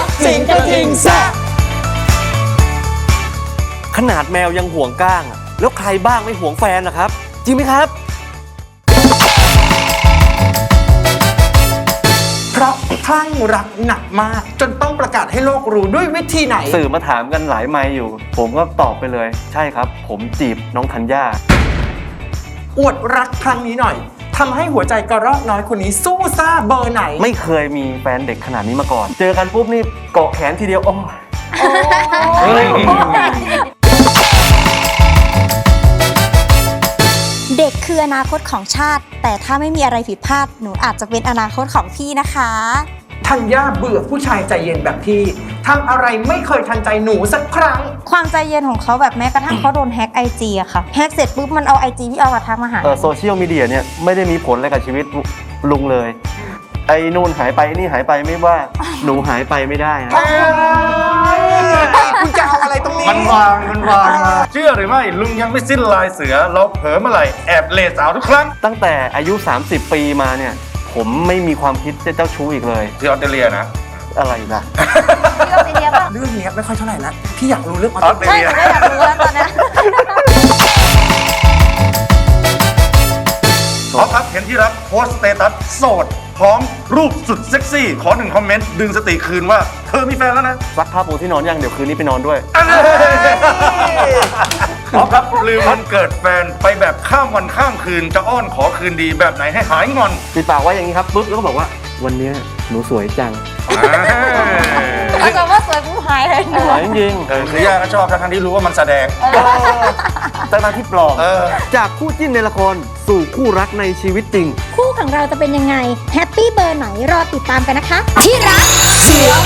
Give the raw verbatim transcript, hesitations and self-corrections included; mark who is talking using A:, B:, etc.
A: สิงกระทิงแซะ
B: ขนาดแมวยังห่วงก้างอะแล้วใครบ้างไม่ห่วงแฟนล่ะครับ จริงไหมครับ
A: เพราะคลั่งรักหนักมากจนต้องประกาศให้โลกรู้ด้วยวิธีไหน
B: สื่อมาถามกันหลายไมค์อยู่ ผมก็ตอบไปเลย ใช่ครับ ผมจีบน้องธัญญา
A: อวดรักครั้งนี้หน่อยทำให้หัวใจกระรอกน้อยคนนี้สู้ซ่าเบอร์ไหน
B: ไม่เคยมีแฟนเด็กขนาดนี้มาก่อน เจอกันปุ๊บนี่เกาะแขนทีเดียวโอ้ยเฮ้ย
C: เด็กคืออนาคตของชาติ แต่ถ้าไม่มีอะไรผิดพลาดหนูอาจจะเป็นอนาคตของพี่นะคะ
A: ธัญญาเบื่อผู้ชายใจเย็นแบบพี่ทำอะไรไม่เคยทันใจหนูสักครั้ง
C: ความใจเย็นของเขาแบบแม้กระทั่งเขาโดนแฮ็กไอจีอะค่ะแฮ็กเสร็จปุ๊บมันเอาไอจีที่เอามาทักมาหา
B: เออโซเชียลมีเดียเนี่ยไม่ได้มีผลอะไรกับชีวิตลุงเลย ไอ้นู่นหายไปนี่หายไปไม่ว่า หนูหายไปไม่ได้นะ
A: คุณจะเอาอะไรตรงนี้
D: มันวางมันวางมาเชื่อหรือไม่ลุงยังไม่สิ้นลายเสือเราเผลอเมื่อไหร่แอบเลสาวทุกครั้ง
B: ตั้งแต่อายุ สามสิบ ปีมาเนี่ย ผมไม่มีความคิดจะเจ้าชู้อีกเลย
D: ที่ออสเตรเลียนะ
B: อะไรนะ
C: พี่ก็ไปเรียกว่า
A: เรื่องนี้ไม่ค่อยเท่าไหร่นะพี่อยากรู้เรื่องออ
D: ออ
A: ส
D: ส
A: เต
D: เต
A: ร
D: ร
A: เลี
D: เลี
A: ย
D: ย
C: ไม่อยากรู้แล้วตอนนี้
D: ขอครับเห็นที่รักโพสต์สเตตัสโสด พร้อมรูปสุดเซ็กซี่ ขอหนึ่งคอมเมนต์ดึงสติคืนว่าเธอมีแฟนแล้วนะ
B: ซักผ้าปูที่นอนยังเดี๋ยวคืนนี้ไปนอนด้วย
D: ขอครับลืมวันเกิดแฟนไปแบบข้ามวันข้ามคืนจะอ้อนขอคืนดีแบบไหนให้หายงอน
B: ปิดปากไว้อย่างนี้ครับปุ๊บแล้วก็บอกว่าวันเนี้ยหนูสวยจัง
C: เขาจะว่าสวยผู้หายเลยหนู
B: สวยจริง
D: เออคือย่าก็ชอบทั้งที่รู้ว่ามันแสดง
B: ๆตั้งแต่ที่ปลอม
D: เออ
B: จากคู่จิ้นในละครสู่คู่รักในชีวิตจริง
C: คู่ของเราจะเป็นยังไงแฮปปี้เบอร์ไหนรอติดตามกันนะคะ ที่รักเสีย